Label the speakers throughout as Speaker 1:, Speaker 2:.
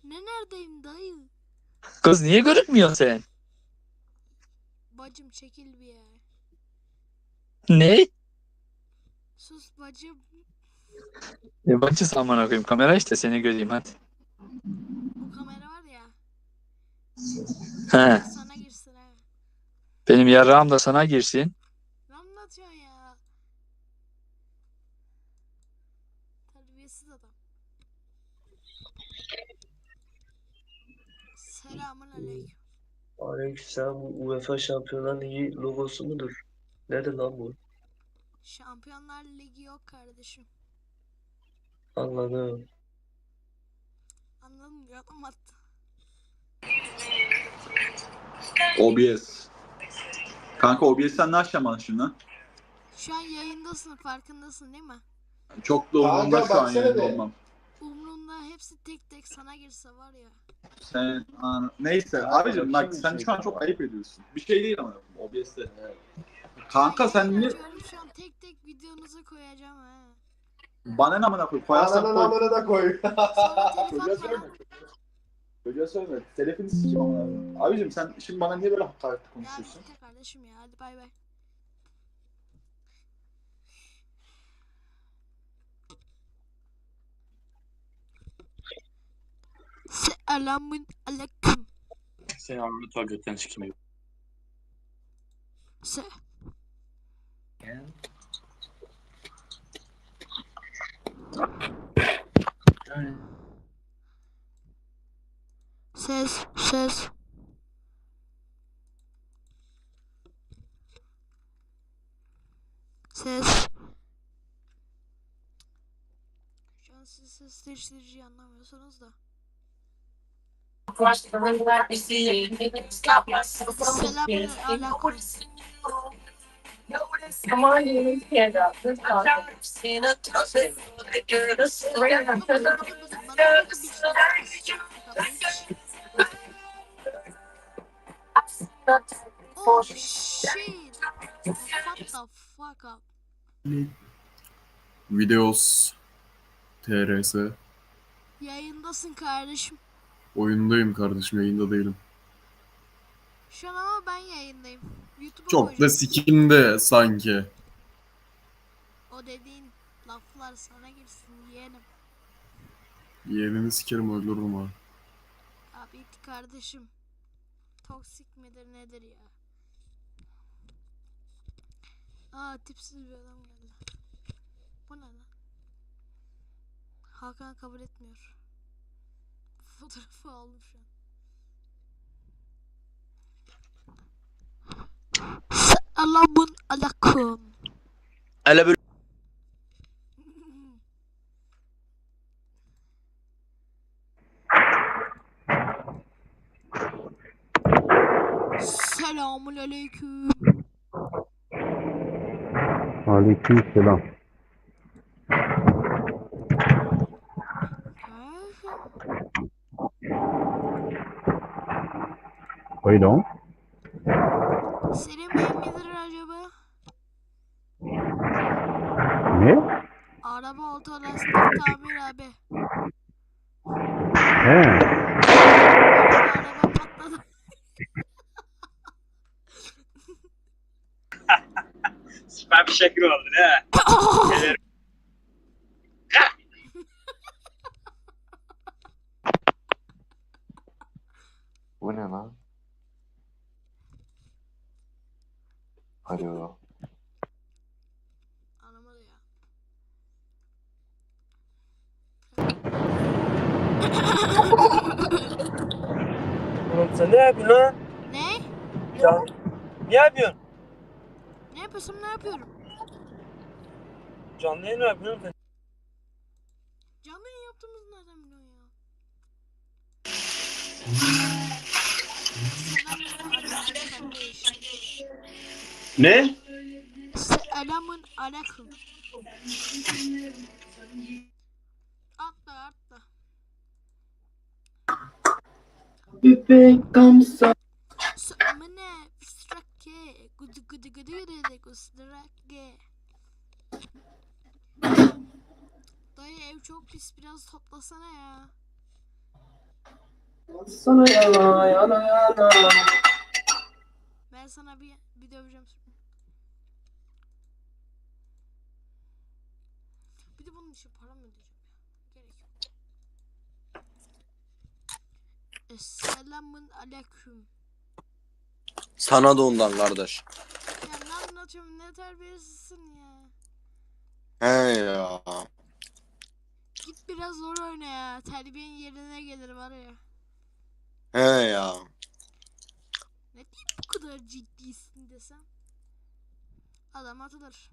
Speaker 1: Neredeyim dayı?
Speaker 2: Kız niye görünmüyorsun sen?
Speaker 1: Bacım çekil bir ya.
Speaker 2: Ne?
Speaker 1: Sus bacım.
Speaker 2: Yabancı aman koyayım. Kamera işte seni göreyim hadi.
Speaker 1: Bu kamera var ya.
Speaker 2: He.
Speaker 1: Sana girsin ha.
Speaker 2: Benim yarrağım da sana girsin.
Speaker 1: Ne anlatıyorsun ya? Terbiyesiz adam. Selamun aleyküm.
Speaker 3: Aleykümselam, bu UEFA Şampiyonlar Ligi logosu mudur? Nerede lan bu?
Speaker 1: Şampiyonlar Ligi yok kardeşim.
Speaker 3: Anladım.
Speaker 1: Anladın mı? Yalan attı.
Speaker 4: OBS. Kanka OBS'ten ne açacağım bana şimdi?
Speaker 1: Şu an yayındasın, farkındasın değil mi?
Speaker 4: Çok da umurumda
Speaker 5: Kanka
Speaker 4: şu an
Speaker 5: baksana
Speaker 4: yayında
Speaker 5: be.
Speaker 4: olmam.
Speaker 1: Umrunda hepsi tek tek sana girse var ya.
Speaker 4: Neyse
Speaker 5: Kanka,
Speaker 4: abicim bak
Speaker 5: bakayım
Speaker 4: sen
Speaker 5: bir
Speaker 4: şu an
Speaker 5: şey.
Speaker 4: çok ayıp ediyorsun. Bir şey değil ama OBS'te. Kanka
Speaker 1: Ben
Speaker 4: sen
Speaker 1: yayın
Speaker 4: niye...
Speaker 1: açıyorum, şu an tek tek videonuzu koyacağım ha.
Speaker 4: Bana ne amına koy? Koyarsan
Speaker 5: Ananın
Speaker 4: koy.
Speaker 5: amına da koy.
Speaker 1: Sonra telif
Speaker 4: Çocuğa
Speaker 1: atma
Speaker 4: söyleme.
Speaker 1: lan.
Speaker 4: Çocuğa söyleme. Telefonu sikeyim ama. Abicim sen şimdi bana niye böyle hakaretli
Speaker 1: Ya
Speaker 4: konuşuyorsun?
Speaker 1: bitti kardeşim ya, hadi bay bay. Selamun aleyküm.
Speaker 6: Selam lütfen gökten çıkmayın.
Speaker 1: Se. Ses, ses. Ses. Şu an siz ses değiştiriciyi anlamıyorsunuz da. Selamun aleyküm. Oh shit. What the fuck up?
Speaker 7: Videos TRS.
Speaker 1: Yayındasın kardeşim.
Speaker 7: Oyundayım kardeşim, yayında değilim.
Speaker 1: Şu an ama ben yayındayım. YouTube'a
Speaker 7: Çok da
Speaker 1: koyacağım.
Speaker 7: sikimde sanki.
Speaker 1: O dediğin laflar sana girsin yeğenim.
Speaker 7: Yeğenini sikerim, öldürürüm ha.
Speaker 1: Abi kardeşim. Toksik midir nedir ya? Aa, tipsiz bir adam geldi. Bu ne lan? Hakan kabul etmiyor. Fotoğrafı aldım şu an. Selamun aleyküm.
Speaker 2: Hele böyle
Speaker 1: Selamun aleyküm.
Speaker 8: Aleykümselam. Pardon.
Speaker 1: Senin beyin midir acaba?
Speaker 8: Ne?
Speaker 1: Araba otolastik tamir abi.
Speaker 8: He.
Speaker 1: Araba patladı.
Speaker 6: Süper bir şekil oldu ne?
Speaker 9: Bu ne lan? Alo.
Speaker 1: Anlamadı ya.
Speaker 3: Oğlum sen ne yapıyorsun lan?
Speaker 1: Ne?
Speaker 3: Ya, ne yapıyorsun?
Speaker 1: Ne yapıyorsun, ne yapıyorum?
Speaker 3: Canlı yayın ne yapıyorsun sen?
Speaker 1: Canlı yayın yaptığımızı nereden biliyorsun ya? Selamun aleyküm kardeş.
Speaker 5: Ne?
Speaker 1: Selamun aleyküm. Atla atla.
Speaker 5: Bebek kamsa.
Speaker 1: Samane fistrake. Gudu gudu gudu gudu gustrake. Dayı ev çok pis, biraz toplasana ya.
Speaker 5: Sana yana yana yana.
Speaker 1: Ben sana bir döveceğim şimdi. Bir de bunun için para mı ödeyeceğim ya? Gerek yok. Esselamun aleyküm.
Speaker 9: Sana da ondan kardeş.
Speaker 1: Ya ne anlatıyorum, ne terbiyesizsin ya.
Speaker 9: He ya.
Speaker 1: Git biraz zor oyna ya. Terbiyen yerine gelir var ya.
Speaker 9: He ya.
Speaker 1: Ne diyeyim bu kadar ciddisin desem. Adam atılır.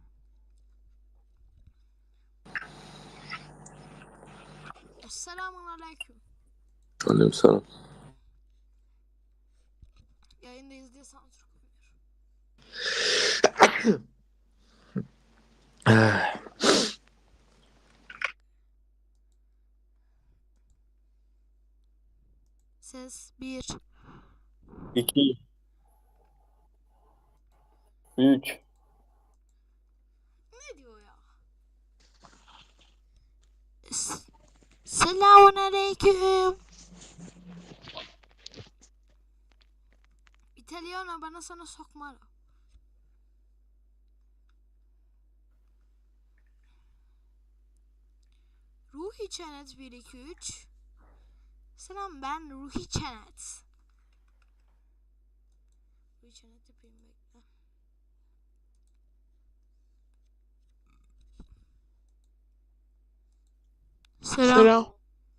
Speaker 1: Esselamun aleyküm.
Speaker 9: Aleykümselam.
Speaker 1: Yayındayız diye sansür koyuyor. Ses 1.
Speaker 5: 2 3
Speaker 1: Ne diyor ya? Selamun aleyküm. İtalyan'a bana sana sokma. Ruhi Çenet 1 2 3. Selam, ben Ruhi Çenet. Ruhi Çenet yapayım, bekle. Selam.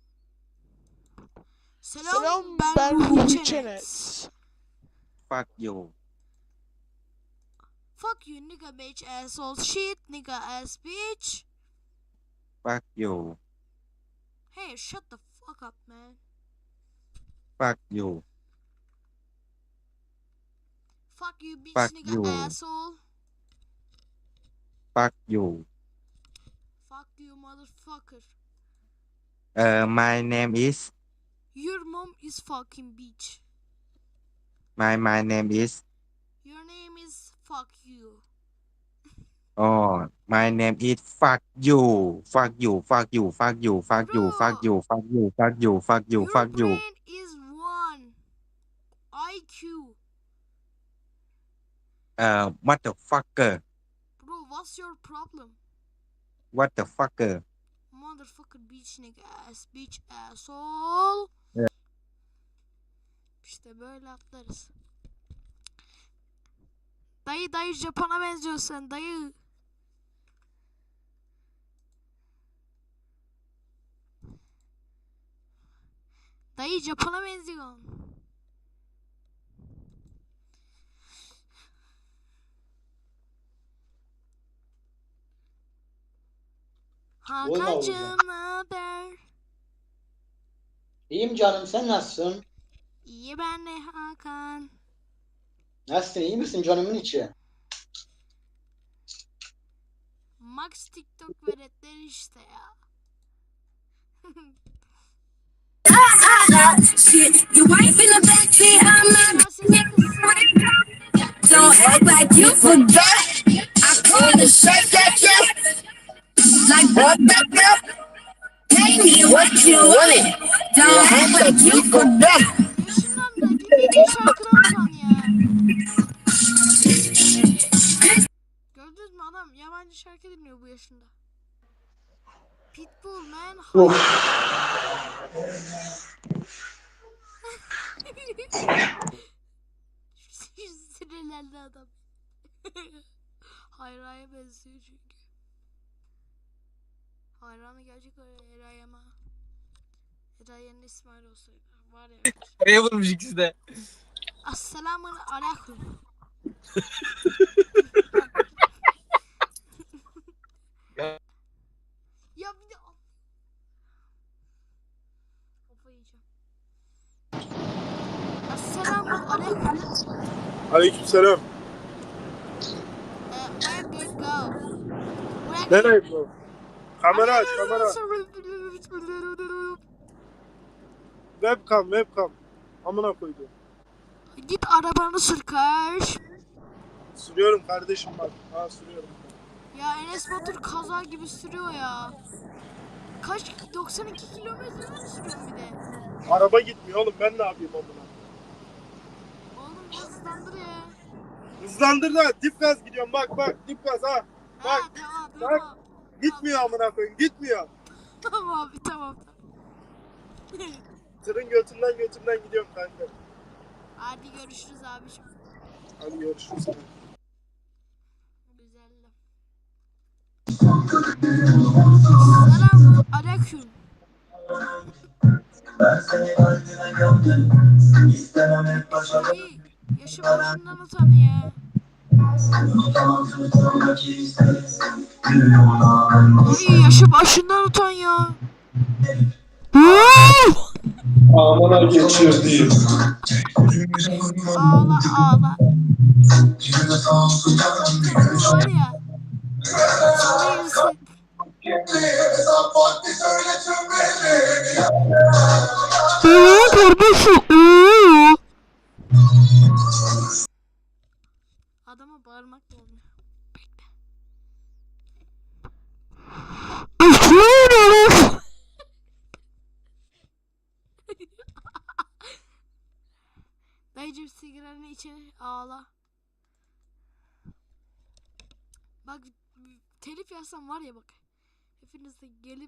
Speaker 1: Selam, ben Ruhi Çenet.
Speaker 9: Fuck you.
Speaker 1: Fuck you nigga bitch asshole shit nigga ass bitch.
Speaker 9: Fuck you.
Speaker 1: Hey, shut the fuck up man.
Speaker 9: Fuck you.
Speaker 1: Fuck you bitch
Speaker 9: Fuck
Speaker 1: nigga
Speaker 9: you.
Speaker 1: asshole.
Speaker 9: Fuck you.
Speaker 1: Fuck you motherfucker.
Speaker 9: My name is.
Speaker 1: Your mom is fucking bitch.
Speaker 9: My name is.
Speaker 1: Your name is fuck you.
Speaker 9: Oh, my name is. Fuck you. Fuck you. Fuck you. Fuck you. Fuck you. Fuck you. Fuck you. Fuck you. Fuck you.
Speaker 1: Your
Speaker 9: Fuck you.
Speaker 1: brain is 1 IQ.
Speaker 9: What the fucker?
Speaker 1: Bro, what's your problem?
Speaker 9: What the fucker?
Speaker 1: Motherfucker bitch nigga ass bitch asshole.
Speaker 9: Evet.
Speaker 1: İşte böyle atlarız. Dayı Japon'a benziyorsun sen dayı. Dayı Japon'a benziyorsun. Hakan'cığım ne haber?
Speaker 10: İyiyim canım, sen nasılsın?
Speaker 1: İyi ben de Hakan.
Speaker 10: Nasılsın, iyi misin canımın içi?
Speaker 1: Max TikTok veletleri işte ya.
Speaker 11: Don't act like you forgot. I call the shake that like what the pay me what you wanted. Don't act like you forgot.
Speaker 1: Yaşından da dinlediğin şarkıdan ya. Gördünüz mü adam yabancı şarkı dinliyor bu yaşında. Pitbull man. Sinirlendi adam. Hayra'ya benziyor çünkü. Hayra'nın gerçek Eray ama. Eray'ın İsmail olsaydı. Var ya.
Speaker 2: Nereye vurmuş ikisi de?
Speaker 1: Esselamun aleyküm. Ya bir de kafayı yiyeceğim. Esselamun aleyküm.
Speaker 5: Aleykümselam.
Speaker 1: Where do you go?
Speaker 5: Nereye bu? Kamera aç, kamera. Webcam. Amına koydum.
Speaker 1: Git arabanı sür kardeş.
Speaker 5: Sürüyorum kardeşim bak. Ha sürüyorum.
Speaker 1: Ya Enes Batur kaza gibi sürüyor ya. Kaç 92 kilometre mi sürüyorsun bir de?
Speaker 5: Araba gitmiyor oğlum, ben ne yapayım amına?
Speaker 1: Oğlum hızlandır ya.
Speaker 5: Hızlandır da dip gaz gidiyorum, bak dip gaz ha.
Speaker 1: Ha
Speaker 5: Bak,
Speaker 1: tamam.
Speaker 5: Gitmiyor amına koyayım, gitmiyor.
Speaker 1: Tamam abi tamam.
Speaker 5: Tırın götünden gidiyorum kanka.
Speaker 1: Hadi görüşürüz abiciğim.
Speaker 5: Hadi görüşürüz.
Speaker 1: Güzeldi. Selam aleyküm. Yaşı başından utan ya. Ay yaşı başından utan ya.
Speaker 5: Amına geçiyor değil.
Speaker 1: Ağla ağla. Var ya. Sana girsin. Adama bağırmak lazım. Dayıcım sigaranı içeri ağla. Bak telif yazsam var ya bak. Hepiniz de gelip.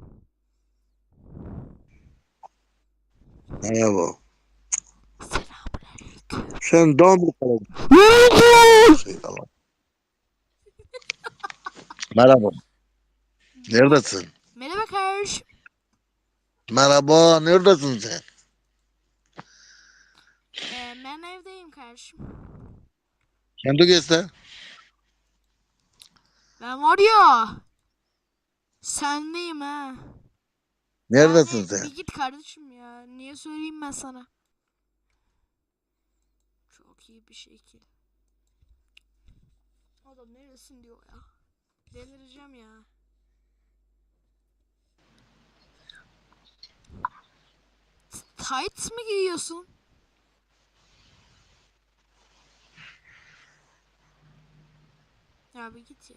Speaker 12: Merhaba.
Speaker 1: Selamünaleyküm.
Speaker 12: Sen daha mı kaladın? Merhaba. Neredesin?
Speaker 1: Merhaba kardeşim.
Speaker 12: Merhaba. Neredesin sen?
Speaker 1: Ben evdeyim kardeşim.
Speaker 12: Kendi göster.
Speaker 1: Ben var ya. Sendeyim ha.
Speaker 12: Neredesin
Speaker 1: Yani
Speaker 12: sen?
Speaker 1: bir git kardeşim ya. Niye söyleyeyim ben sana? Çok iyi bir şekil. Adam neresin diyor ya. Delireceğim ya. Tights mı giyiyorsun? Ya bir git ya.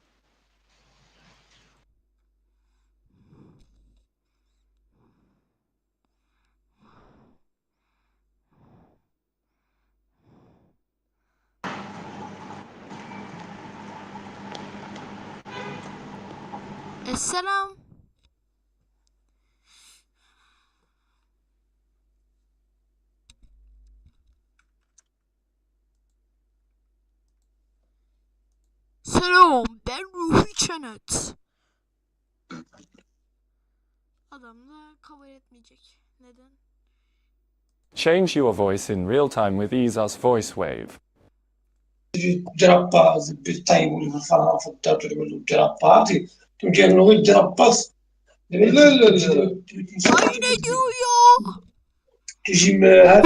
Speaker 1: Selam. Selam, ben Ruhi Çenet. Adam da kabul etmeyecek. Neden?
Speaker 13: Change your voice in real time with EaseUS VoiceWave.
Speaker 14: جرباز بالتايم والفرع فضات جرباز تجي نقول جرباز لا لا لا
Speaker 1: Ay ne diyor ya?
Speaker 14: تجي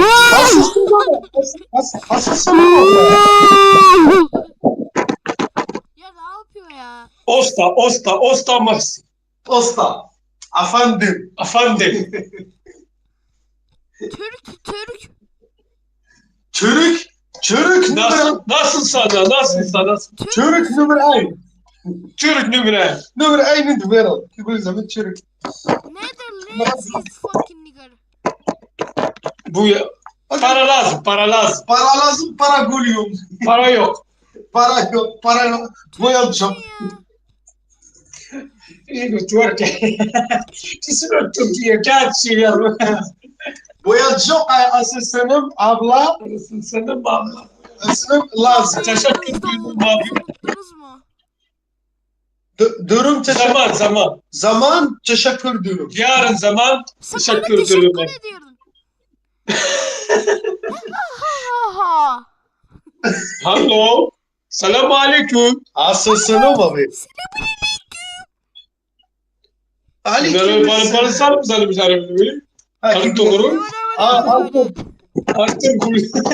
Speaker 1: Ya ne yapıyor ya?
Speaker 14: Osta Max. Osta. Efendim.
Speaker 1: Türk.
Speaker 14: Çörük nasıl sana? Çörük numara 1. Çörük numara 1. Numara 1 in the world. Kibir zaman çörük.
Speaker 1: Netherlands is fucking nigger.
Speaker 14: Bu ya. Para lazım. Para gülüyorum. Para yok. Boyalacağım. İyi Türkiye. Kesin Türkiye gerçeği. Boyacağım asistanım abla. Asistanım lazım. Teşekkür ederim abi. Durum zaman. Zaman teşekkür ederim. Yarın zaman teşekkür ederim. Hello. Selamun aleyküm. Asistanım abi. Aleyküm. Bana sar mı sana bir tane böyle? Hadi doğru. Artık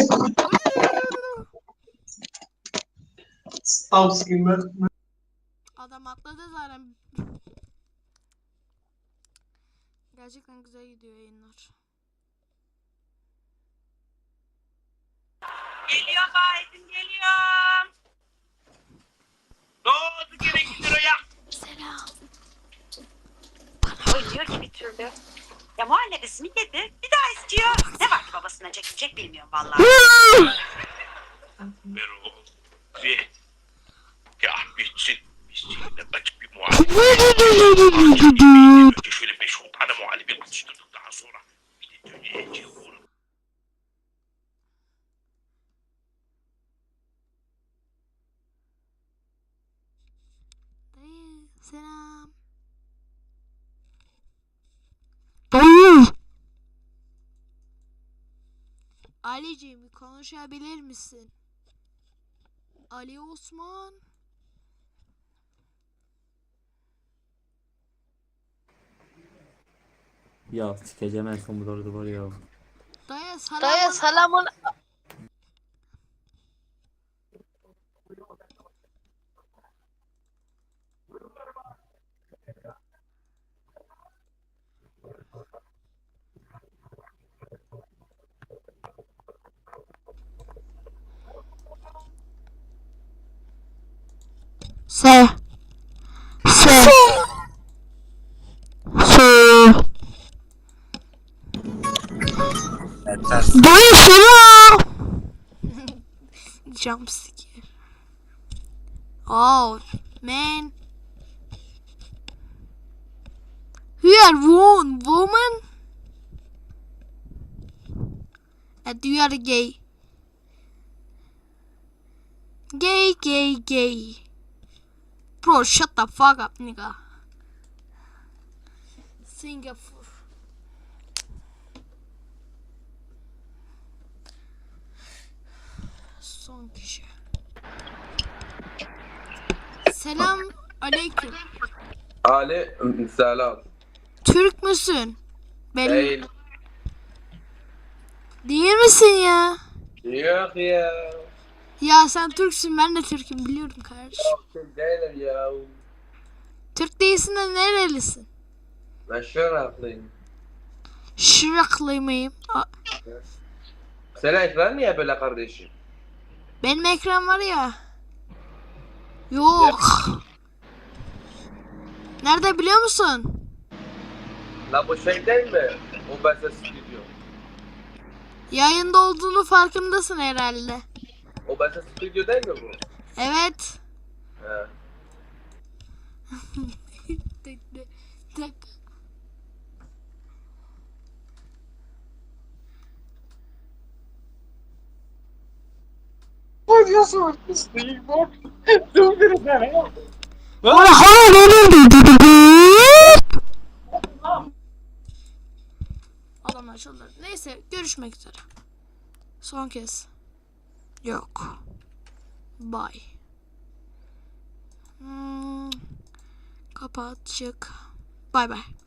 Speaker 1: Adam atladı zaten. Gerçekten güzel gidiyor yayınlar.
Speaker 6: Geliyorum Aydın, geliyorum. Ne oldu gene gidiyor ya?
Speaker 1: Selam.
Speaker 6: Oynuyor ki bir türlü. Ya muhallebisini yedi. Bir daha istiyor. Ne vakti babasına çekilecek bilmiyorum vallahi.
Speaker 14: Ya bitsin. Açık bir muhallebi. Önce şöyle 5-10 tane muhallebi atıştırdık daha sonra. Bir de döneceği uğradık.
Speaker 1: Dayı selam. Dayı. Ali'ciğim konuşabilir misin? Ali Osman.
Speaker 15: Ya sikeceğim en son bu doğru var ya.
Speaker 1: Dayı selamın. Se. Dayı selam. Jump scare. Oh man. You are one woman. And you are gay. Gay. Bro, shut the fuck up, nigga. Singapore. Son kişi. Selam aleyküm.
Speaker 16: Selam.
Speaker 1: Türk müsün?
Speaker 16: Değil.
Speaker 1: Değil misin ya?
Speaker 16: Yok ya.
Speaker 1: Ya sen Türksün, ben de Türk'üm, biliyorum kardeşim.
Speaker 16: Yok değilim ya.
Speaker 1: Türk değilsin de nerelisin?
Speaker 16: Ben Şırnaklıyım.
Speaker 1: Şıraklı mıyım?
Speaker 16: Senin ekran niye böyle kardeşim?
Speaker 1: Benim ekran var ya. Yok. Nerede biliyor musun?
Speaker 16: La bu şey değil mi? O ben ses stüdyo.
Speaker 1: Yayında olduğunu farkındasın herhalde.
Speaker 16: O ben ses stüdyo değil mi bu?
Speaker 1: Evet.
Speaker 16: He.
Speaker 14: Ne diyorsun? İsteyim bak. Dur bir tane.
Speaker 1: Adam açıldı. Neyse, görüşmek üzere. Son kez. Yok. Bye. Kapat, çık. Bye bye.